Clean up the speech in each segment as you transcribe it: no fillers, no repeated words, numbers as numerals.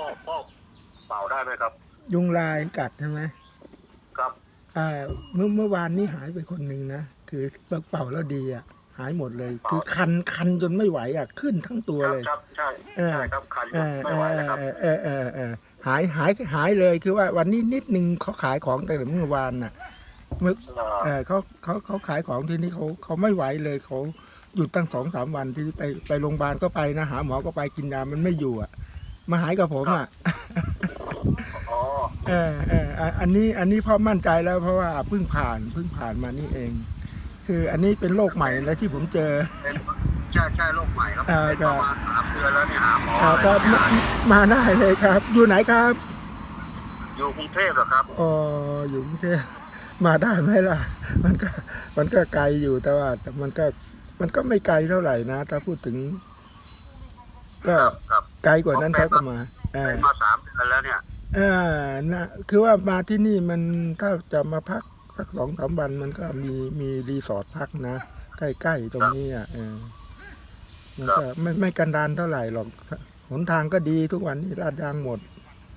พ่อเป่าได้ไหมครับยุงลายกัดใช่ไหมครับเมื่อวานนี้หายไปคนหนึ่งนะคือเป่าแล้วดีอ่ะหายหมดเลยคือคันจนไม่ไหวอ่ะขึ้นทั้งตัวเลยครับใช่ใช่ครับคันไม่ไหวนะครับหายเลยคือว่าวันนี้นิดนึงเขาขายของแต่เมื่อวานน่ะเมื่อเขาขายของที่นี่เขาไม่ไหวเลยเขาหยุดตั้ง2-3 วันที่ไปโรงพยาบาลก็ไปนะหาหมอก็ไปกินยามันไม่อยู่อ่ะมาหายกับผมอ่ะอันนี้พ่อมั่นใจแล้วเพราะว่าเพิ่งผ่านมานี่เอง คืออันนี้เป็นโรคใหม่แล้วที่ผมเจอใช่โรคใหม่ครับประมาณ3 เดือนแล้วเนี่ยหาหมอครับมาได้เลยครับ อยู่ไหนครับอยู่กรุงเทพเหรอครับอ๋ออยู่กรุงเทพมาได้ไหมล่ะมันก็ไกลอยู่แต่ว่าแต่มันก็ไม่ไกลเท่าไหร่นะถ้าพูดถึงก็ไกลกว่านั้นครับประมาณมา3 เดือนแล้วเนี่ยนะคือว่ามาที่นี่มันถ้าจะมาพักสัก2-3 วันมันก็มีรีสอร์ทพักนะใกล้ๆตรงนี้อ่ะมันก็ไม่กันดารเท่าไหร่หรอกหนทางก็ดีทุกวันนี้ลาดยางหมด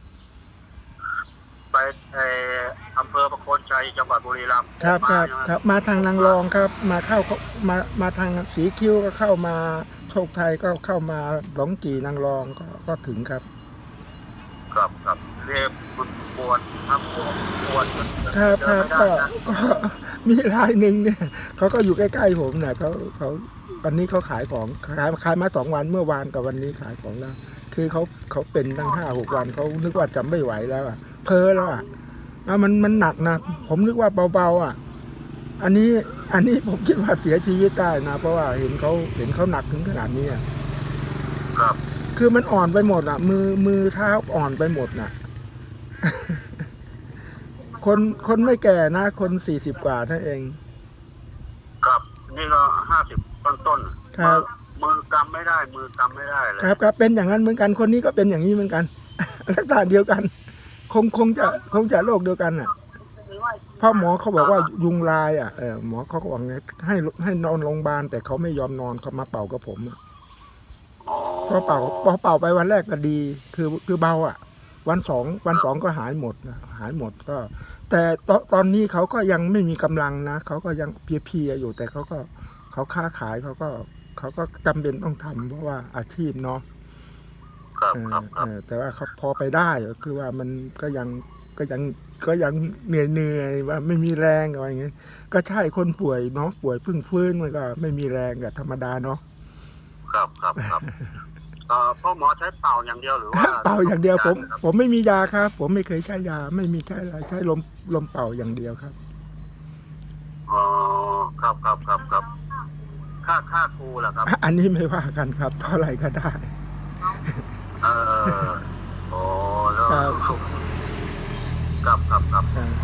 ไปอำเภอประโคนชัยจังหวัดบุรีรัมย์ครับมาทางนางรองครับมาทางสีคิ้วก็เข้ามาโชคไทยก็เข้ามาหลงกี่นางรองก็ถึงครับเรียบปวดครับปวดครับก็มีรายหนึ่งเนี่ยเขาก็อยู่ใกล้ๆผมเนี่ยเขาวันนี้เขาขายของขายมา2 วันเมื่อวานกับวันนี้ขายของแล้วคือเขาเป็นตั้ง5-6 วันเขานึกว่าจะไม่ไหวแล้วอ่ะเพ้อแล้วอ่ะมันหนักนะผมนึกว่าเบาๆอ่ะอันนี้ผมคิดว่าเสียชีวิตได้นะเพราะว่าเห็นเขาหนักถึงขนาดนี้อ่ะครับคือมันอ่อนไปหมดอ่ะมือเท้าอ่อนไปหมดน่ะคนไม่แก่นะคน40 กว่านั่นเองครับนี่ก็50 ต้นครับมือกำไม่ได้เลยครับเป็นอย่างนั้นเหมือนกันคนนี้ก็เป็นอย่างนี้เหมือนกันลักษณะเดียวกันคงจะโรคเดียวกันอ่ะพ่อหมอเขาบอกว่ายุงลายอ่ะหมอเขาก็บอกไงให้นอนโรงพยาบาลแต่เขาไม่ยอมนอนเขามาเป่ากับผมพอเป่าไปวันแรกก็ดีคือเบาอ่ะวันสองก็หายหมดก็แต่ตอนนี้เขาก็ยังไม่มีกำลังนะเขาก็ยังเพลียอยู่แต่เขาค้าขายเขาก็จำเป็นต้องทำเพราะว่าอาชีพเนาะแต่ว่าเขาพอไปได้ก็คือว่ามันก็ยังเหนื่อยว่าไม่มีแรงอะไรอย่างเงี้ยก็ใช่คนป่วยเนาะป่วยเพิ่งฟื้นมันก็ไม่มีแรงกับธรรมดาเนาะครับพ่อหมอใช้เป่าอย่างเดียวหรือว่าเป่าอย่างเดียวผมไม่มียาครับผมไม่เคยใช้ยาไม่มีใช้อะไรใช้ลมเป่าอย่างเดียวครับอ๋อครับค่าครูล่ะครับอันนี้ไม่ว่ากันครับเท่าไหร่ก็ได้โอ้แล้วครับ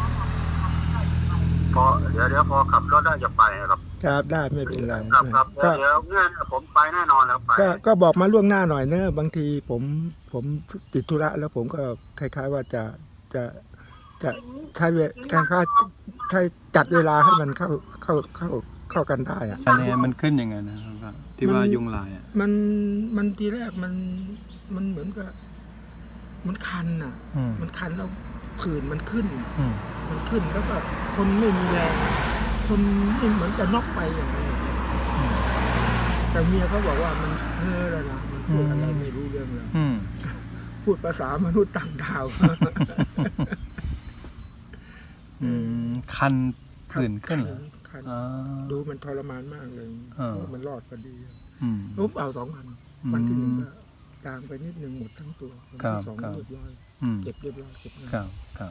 พอเดี๋ยวพอขับรถได้จะไปครับได้ไม่เป็นไรครับเดี๋ยวเนี่ยผมไปแน่นอนแล้วไปก็บอกมาล่วงหน้าหน่อยเนอะบางทีผมติดธุระแล้วผมก็คล้ายๆว่าจะใช้จัดเวลาให้มันเข้ากันได้อะอันนี้มันขึ้นยังไงนะครับที่ว่ายุงลายอ่ะมันทีแรกมันเหมือนกับมันคันอ่ะมันคันแล้วผื่นมันขึ้นแล้วก็คนไม่มีแรงคนไม่เหมือนจะน็อกไปอย่างนี้แต่เมียเขาบอกว่ามันเพ้อแล้วนะมันพูดอะไรไม่รู้เรื่องเลยพูดภาษามนุษย์ต่างดาวคันผื่นขึ้นดูมันทรมานมากเลยมันรอดพอดีปุ๊บเอา2 วันที่ 1ก็จางไปนิดนึงหมดทั้งตัววันที่ 2เรียบร้อยเก็บเรียบร้อยเก็บงานครับ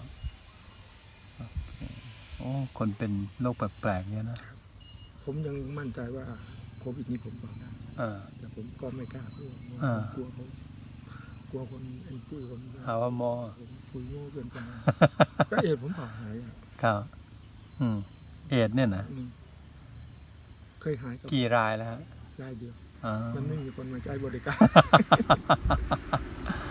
โอ้คนเป็นโรคแปลกๆเนี่ยนะผมยังมั่นใจว่าโควิดนี้ผมปลอดได้แต่ผมก็ไม่กล้าพูดกลัวคนแอนตี้ผมหาว่าหมอคุยโง่เกินไปก็เอดผมเปล่าหายครับเอดเนี่ยนะเคยหายกี่รายแล้วฮะรายเดียวมันไม่มีคนมาใช้บริการ